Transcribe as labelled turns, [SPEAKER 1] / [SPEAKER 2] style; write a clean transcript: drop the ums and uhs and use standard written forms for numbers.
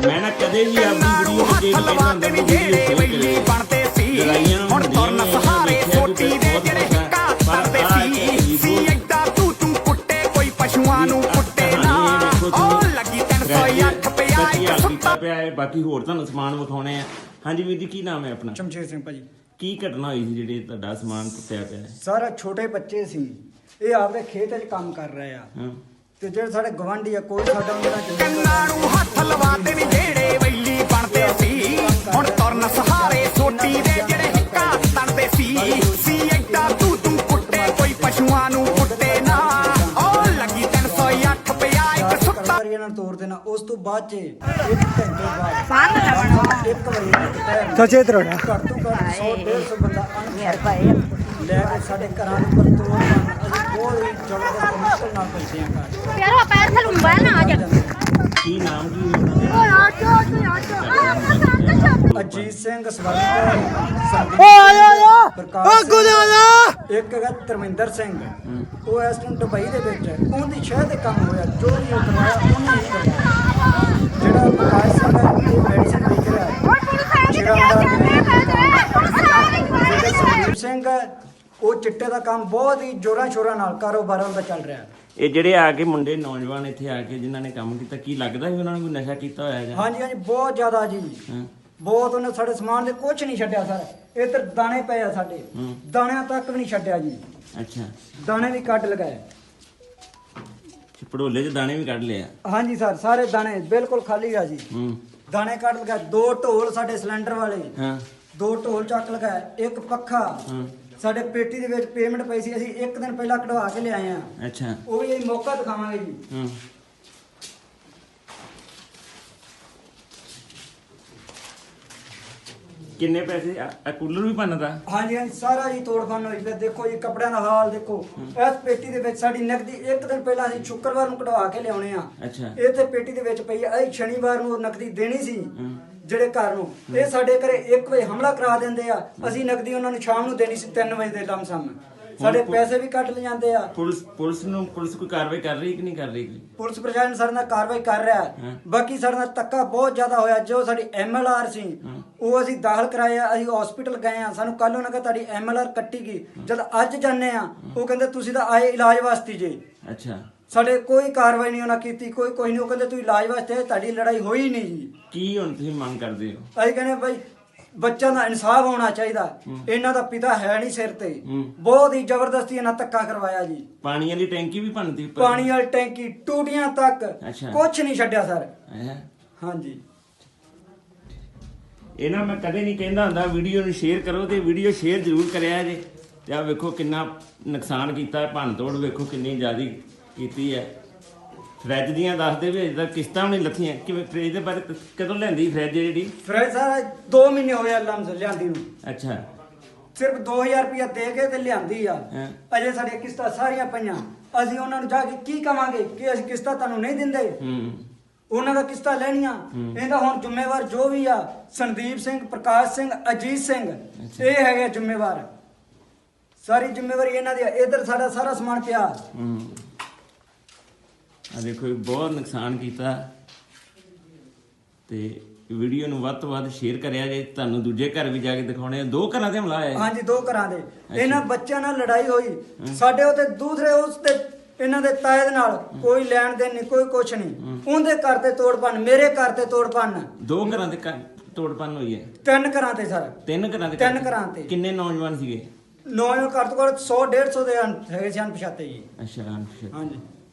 [SPEAKER 1] ਮੈਂ ਨਾ ਕਦੇ ਵੀ ਆਪਣੀ ਵੀਡੀਓ ਵਿੱਚ ਇਹ ਕਹਿੰਦਾ ਹੁੰਦਾ ਵੀ ਜਿਹੜੇ ਵੈਲੀ ਬਣਦੇ ਸੀ ਹੁਣ ਤੁਰਨ ਸਹਾਰੇ ਸੋਟੀ ਦੇ ਜਿਹੜੇ ਹਿੱਕਾ ਕਰਦੇ ਸੀ ਐਡਾ ਤੂੰ ਕੁੱਟੇ ਕੋਈ ਪਸ਼ੂਆਂ ਨੂੰ ਕੁੱਟੇ ਨਾ ਉਹ ਲੱਗੀ 308 ਪਿਆ ਇੱਕ ਸੁੱਤਾ ਪਿਆ ਹੈ। ਬਾਕੀ ਹੋਰ ਤੁਹਾਨੂੰ ਸਮਾਨ ਵਿਖਾਉਣੇ ਆ। ਹਾਂਜੀ ਵੀਰ ਜੀ, ਕੀ ਨਾਮ ਹੈ ਆਪਣਾ?
[SPEAKER 2] ਸ਼ਮਸ਼ੇਰ ਸਿੰਘ ਭਾਜੀ।
[SPEAKER 1] ਕੀ ਘਟਨਾ ਹੋਈ ਸੀ ਜਿਹੜੇ ਤੁਹਾਡਾ ਸਮਾਨ ਟੁੱਟਿਆ ਪਿਆ ਹੈ?
[SPEAKER 2] ਸਾਰਾ ਛੋਟੇ ਬੱਚੇ ਸੀ, ਇਹ ਆਪਦੇ ਖੇਤ 'ਚ ਕੰਮ ਕਰ ਰਹੇ ਆ ਤੇ ਜਿਹੜੇ ਸਾਡੇ ਗਵਾਂਢੀ ਆ ਕੋਈ ਸਾਡਾ ਉਹਨਾਂ ਨਾਲ ਕੰਨਾਂ ਨੂੰ ਹੱਥ ਲਵਾਤੇ ਨੇ ਜਿਹੜੇ ਵੈਲੀ ਬਣਦੇ ਸੀ ਹੁਣ ਤੁਰਨ ਸਹਾਰੇ ਸੋਟੀ ਦੇ ਜਿਹੜੇ ਹਿੱਕਾ ਤਣਦੇ ਸੀ ਐਡਾ ਤੂੰ ਕੁੱਟੇ ਕੋਈ ਪਸ਼ੂਆਂ ਨੂੰ ਕੁੱਟੇ ਨਾ ਉਹ ਲੱਗੀ 308 ਪਿਆ ਇੱਕ ਸੁੱਤਾ ਇਹਨਾਂ ਨੂੰ ਤੋੜ ਦੇਣਾ। ਉਸ ਤੋਂ ਬਾਅਦ 'ਚ 1 ਘੰਟੇ ਬਾਅਦ 1 ਵਜੇ ਸੱਚੇ ਤਰੋੜਾ ਘੱਟ ਤੋਂ ਘੱਟ 100-150 ਬੰਦਾ ਲੈ ਕੇ ਸਾਡੇ ਘਰਾਂ ਦੇ ਉੱਪਰ ਤੋੜ ਪਾਉਣ ਅਸੀਂ ਬਹੁਤ ਹੀ ਜ਼ਬਰਦਸਤ ਮੁਸ਼ਕਲ ਨਾਲ ਪਹੁੰਚੇ ਹਾਂ ਘਰ।
[SPEAKER 3] ਯਾਰ ਪੈਰ ਥਲ ਮੋਬਾਈਲ ਨਾ ਆ ਜਾ।
[SPEAKER 1] ਕੀ ਨਾਮ ਕੀ?
[SPEAKER 2] ਅਜੀਤ ਸਿੰਘ ਸਵਰਨ ਇੱਕ ਹੈਗਾ ਧਰਮਿੰਦਰ ਸਿੰਘ, ਉਹ ਇਸ ਟਾਈਮ ਦੁਬਈ ਦੇ ਵਿੱਚ ਹੈ। ਉਹਦੀ ਸ਼ਹਿਰ ਦੇ ਕੰਮ ਹੋਇਆ ਜੋ ਵੀ ਉਹ ਕਰਵਾਇਆ ਉਹਨੇ ਹੀ ਕਰਵਾਇਆ। ਜਿਹੜਾ ਪ੍ਰਕਾਸ਼ ਸਿੰਘ ਹੈ ਇਹ ਮੈਡੀਸਨ ਵੇਚ ਰਿਹਾ ਹੈ। ਜਿਹੜਾ ਸੰਦੀਪ ਸਿੰਘ ਹੈ ਉਹ ਚਿੱਟੇ ਦਾ ਕੰਮ ਬਹੁਤ ਹੀ ਜ਼ੋਰਾਂ ਸ਼ੋਰਾਂ ਨਾਲ ਕਾਰੋਬਾਰਾਂ ਦਾ ਚੱਲ ਰਿਹਾ ਹੈ।
[SPEAKER 1] ਇਹ ਜਿਹੜੇ ਆ ਕੇ ਮੁੰਡੇ ਨੌਜਵਾਨ ਇੱਥੇ ਆ ਕੇ ਜਿਨ੍ਹਾਂ ਨੇ ਕੰਮ ਕੀਤਾ, ਕੀ ਲੱਗਦਾ ਸੀ ਉਹਨਾਂ ਨੇ ਕੋਈ ਨਸ਼ਾ ਕੀਤਾ ਹੋਇਆ ਜਾਂ?
[SPEAKER 2] ਹਾਂਜੀ ਹਾਂਜੀ, ਬਹੁਤ ਜ਼ਿਆਦਾ ਜੀ, ਬਹੁਤ। ਉਹਨੇ ਸਾਡੇ ਸਮਾਨ ਦੇ ਕੁਝ ਨਹੀਂ ਛੱਡਿਆ ਸਰ। ਇੱਧਰ ਦਾਣੇ ਪਏ ਆ ਸਾਡੇ, ਦਾਣਿਆਂ ਤੱਕ ਵੀ ਨਹੀਂ ਛੱਡਿਆ ਜੀ।
[SPEAKER 1] ਅੱਛਾ,
[SPEAKER 2] ਦਾਣੇ ਵੀ ਕੱਢ ਲਗਾਏ।
[SPEAKER 1] ਪੜੋਲੇ 'ਚ ਦਾਣੇ ਵੀ ਕੱਢ ਲਿਆ?
[SPEAKER 2] ਹਾਂਜੀ ਸਰ, ਸਾਰੇ ਦਾਣੇ ਬਿਲਕੁਲ ਖਾਲੀ ਆ ਜੀ। ਦਾਣੇ ਕੱਢ ਲਗਾਏ। 2 ਢੋਲ ਸਾਡੇ ਸਿਲੰਡਰ ਵਾਲੇ, 2 ਢੋਲ ਚੱਕ ਲਗਾਏ। ਇੱਕ ਪੱਖਾ ਸਾਡੇ ਪੇਟੀ ਦੇ ਵਿੱਚ ਪੇਮੈਂਟ ਪਈ ਸੀ, ਅਸੀਂ 1 ਦਿਨ ਪਹਿਲਾਂ ਕਢਵਾ ਕੇ ਲਿਆਏ ਆ।
[SPEAKER 1] ਅੱਛਾ,
[SPEAKER 2] ਉਹ ਵੀ ਅਸੀਂ ਮੌਕਾ ਦਿਖਾਵਾਂਗੇ ਜੀ।
[SPEAKER 1] ਕਿੰਨੇ ਪੈਸੇ? ਆ ਕੂਲਰ ਵੀ ਭੰਨਦਾ?
[SPEAKER 2] ਹਾਂਜੀ ਹਾਂਜੀ, ਸਾਰਾ ਜੀ ਤੋੜ ਭੰਨ ਹੋਈ। ਫਿਰ ਦੇਖੋ ਜੀ ਕੱਪੜਿਆਂ ਦਾ ਹਾਲ ਦੇਖੋ। ਇਸ ਪੇਟੀ ਦੇ ਵਿੱਚ ਸਾਡੀ ਨਕਦੀ 1 ਦਿਨ ਪਹਿਲਾਂ ਅਸੀਂ ਸ਼ੁੱਕਰਵਾਰ ਨੂੰ ਕਢਵਾ ਕੇ ਲਿਆਉਣੇ ਆ।
[SPEAKER 1] ਅੱਛਾ,
[SPEAKER 2] ਇਹ ਤੇ ਪੇਟੀ ਦੇ ਵਿੱਚ ਪਈ ਆ। ਅਸੀਂ ਸ਼ਨੀਵਾਰ ਨੂੰ ਨਕਦੀ ਦੇਣੀ ਸੀ ਜਿਹੜੇ ਘਰ ਨੂੰ। ਇਹ ਸਾਡੇ ਘਰੇ 1 ਵਜੇ ਹਮਲਾ ਕਰਾ ਦਿੰਦੇ ਆ। ਅਸੀਂ ਨਕਦੀ ਉਹਨਾਂ ਨੂੰ ਸ਼ਾਮ ਨੂੰ ਦੇਣੀ ਸੀ 3 ਵਜੇ ਦੇ ਲਮਸਮ। ਸਾਡੇ ਪੈਸੇ ਵੀ ਕੱਟ ਲੈ ਜਾਂਦੇ ਆ। ਪੁਲਿਸ
[SPEAKER 1] ਕੋਈ ਕਾਰਵਾਈ ਕਰ ਰਹੀ ਕਿ ਨਹੀਂ ਕਰ ਰਹੀ?
[SPEAKER 2] ਪੁਲਿਸ ਪ੍ਰਸ਼ਾਸਨ ਸਾਡੇ ਨਾਲ ਕਾਰਵਾਈ ਕਰ ਰਿਹਾ ਹੈ। ਬਾਕੀ ਸਾਡੇ ਨਾਲ ਧੱਕਾ ਬਹੁਤ ਜ਼ਿਆਦਾ ਹੋਇਆ। ਜੋ ਸਾਡੀ MLR ਸੀ ਉਹ ਅਸੀਂ ਦਾਖਲ ਕਰਾਇਆ। ਅਸੀਂ ਹਸਪੀਟਲ ਗਏ ਆ। ਸਾਨੂੰ ਕੱਲ ਉਹਨਾਂ ਕਹਿੰਦਾ ਤੁਹਾਡੀ MLR ਕੱਟੀ ਗਈ। ਜਦ ਅੱਜ ਜਾਂਦੇ ਆ ਉਹ ਕਹਿੰਦੇ ਤੁਸੀਂ ਤਾਂ ਆਏ ਇਲਾਜ ਵਾਸਤੇ ਜੇ।
[SPEAKER 1] ਅੱਛਾ,
[SPEAKER 2] ਸਾਡੇ ਕੋਈ ਕਾਰਵਾਈ ਨਹੀਂ ਉਹਨਾਂ ਕੀਤੀ, ਕੋਈ ਨਹੀਂ। ਉਹ ਕਹਿੰਦੇ ਤੁਸੀਂ ਇਲਾਜ ਵਾਸਤੇ, ਤੁਹਾਡੀ ਲੜਾਈ ਹੋਈ ਨਹੀਂ ਜੀ।
[SPEAKER 1] ਕੀ ਹੁਣ ਤੁਸੀਂ ਮੰਗ ਕਰਦੇ ਹੋ?
[SPEAKER 2] ਅਸੀਂ ਕਹਿੰਦੇ ਭਾਈ ਬੱਚਿਆਂ ਦਾ ਇਨਸਾਫ ਹੋਣਾ ਚਾਹੀਦਾ। ਇਹਨਾਂ ਦਾ ਪਿਤਾ ਹੈ ਨਹੀਂ ਸਿਰ ਤੇ। ਬਹੁਤ ਹੀ ਜ਼ਬਰਦਸਤੀ ਇਹਨਾਂ ਧੱਕਾ ਕਰਵਾਇਆ ਜੀ।
[SPEAKER 1] ਪਾਣੀ ਵਾਲੀ ਟੈਂਕੀ ਵੀ ਭੰਨਤੀ?
[SPEAKER 2] ਪਾਣੀ ਵਾਲੀ ਟੈਂਕੀ, ਟੂਟੀਆਂ ਤੱਕ ਕੁਝ ਨਹੀਂ ਛੱਡਿਆ ਸਰ। ਹਾਂਜੀ,
[SPEAKER 1] ਇਹਨਾਂ ਮੈਂ ਕਦੇ ਨਹੀਂ ਕਹਿੰਦਾ ਹੁੰਦਾ ਵੀਡੀਓ ਨੂੰ ਸ਼ੇਅਰ ਕਰੋ, ਤੇ ਵੀਡੀਓ ਸ਼ੇਅਰ ਜ਼ਰੂਰ ਕਰਿਆ ਜੇ। ਤੇ ਆ ਵੇਖੋ ਕਿੰਨਾ ਨੁਕਸਾਨ ਕੀਤਾ, ਭੰਨ ਤੋੜ ਵੇਖੋ ਕਿੰਨੀ ਜ਼ਿਆਦਾ ਕੀਤੀ ਹੈ। ਫਰਿੱਜ ਦੀਆਂ ਦੱਸਦੇ ਵੀ ਅਜੇ ਤੱਕ ਕਿਸ਼ਤਾਂ ਵੀ ਨਹੀਂ ਲੱਥੀਆਂ। ਕਿਵੇਂ ਫਰਿੱਜ ਦੇ ਬਾਰੇ ਕਦੋਂ ਲਿਆਂਦੀ ਫਰਿੱਜ ਜਿਹੜੀ?
[SPEAKER 2] ਫਰਿੱਜ ਸਾਰਾ 2 ਮਹੀਨੇ ਹੋਏ ਲਮਸ ਲਿਆਂਦੀ ਨੂੰ।
[SPEAKER 1] ਅੱਛਾ,
[SPEAKER 2] ਸਿਰਫ 2000 ਰੁਪਇਆ ਦੇ ਕੇ ਤੇ ਲਿਆਂਦੀ ਆ। ਅਜੇ ਸਾਡੀਆਂ ਕਿਸ਼ਤਾਂ ਸਾਰੀਆਂ ਪਈਆਂ। ਅਸੀਂ ਉਹਨਾਂ ਨੂੰ ਜਾ ਕੇ ਕੀ ਕਵਾਂਗੇ ਕਿ ਅਸੀਂ ਕਿਸ਼ਤਾਂ ਤੁਹਾਨੂੰ ਨਹੀਂ ਦਿੰਦੇ? ਉਹਨਾਂ ਦਾ ਕਿਸ਼ਤਾਂ ਲੈਣੀਆਂ। ਇਹਦਾ ਹੁਣ ਜ਼ਿੰਮੇਵਾਰ ਜੋ ਵੀ ਆ ਸੰਦੀਪ ਸਿੰਘ, ਪ੍ਰਕਾਸ਼ ਸਿੰਘ, ਅਜੀਤ ਸਿੰਘ, ਇਹ ਹੈਗੇ ਜ਼ਿੰਮੇਵਾਰ। ਸਾਰੀ ਜ਼ਿੰਮੇਵਾਰੀ ਇਹਨਾਂ ਦੀ। ਇੱਧਰ ਸਾਡਾ ਸਾਰਾ ਸਮਾਨ ਪਿਆ।
[SPEAKER 1] ਆ ਦੇਖੋ ਬਹੁਤ ਨੁਕਸਾਨ ਕੀਤਾ। ਤੇ ਵੀਡੀਓ ਨੂੰ ਵੱਧ ਤੋਂ ਵੱਧ ਸ਼ੇਅਰ ਕਰਿਆ ਜੇ। ਤੁਹਾਨੂੰ ਦੂਜੇ ਘਰ ਵੀ ਜਾ ਕੇ ਦਿਖਾਉਣੇ ਆ। 2 ਘਰਾਂ ਤੇ ਹਮਲਾ ਆਇਆ?
[SPEAKER 2] ਹਾਂਜੀ, 2 ਘਰਾਂ ਦੇ। ਇਹਨਾਂ ਬੱਚਿਆਂ ਨਾਲ ਲੜਾਈ ਹੋਈ ਸਾਡੇ ਉੱਤੇ। ਦੂਸਰੇ ਉਸ ਤੇ ਇਹਨਾਂ ਦੇ ਤਾਏ ਦੇ ਨਾਲ ਕੋਈ ਲੈਣ ਦੇਣ ਨਹੀਂ, ਕੋਈ ਕੁਛ ਨਹੀਂ। ਉਹਦੇ ਘਰ ਤੇ ਤੋੜ ਭੰਨ, ਮੇਰੇ ਘਰ ਤੇ ਤੋੜ ਭੰਨ।
[SPEAKER 1] 2 ਘਰਾਂ ਤੇ ਤੋੜ ਭੰਨ ਹੋਈ ਹੈ?
[SPEAKER 2] 3 ਘਰਾਂ ਤੇ ਸਰ।
[SPEAKER 1] 3 ਘਰਾਂ ਤੇ?
[SPEAKER 2] 3 ਘਰਾਂ ਤੇ।
[SPEAKER 1] ਕਿੰਨੇ ਨੌਜਵਾਨ ਸੀਗੇ?
[SPEAKER 2] ਨੌਜਵਾਨ ਘੱਟ ਤੋਂ ਘੱਟ 100-150 ਦੇ ਹੈਗੇ ਸੀ ਅਣਪਛਾਤੇ ਜੀ।
[SPEAKER 1] ਅੱਛਾ,
[SPEAKER 2] ਹਾਂਜੀ।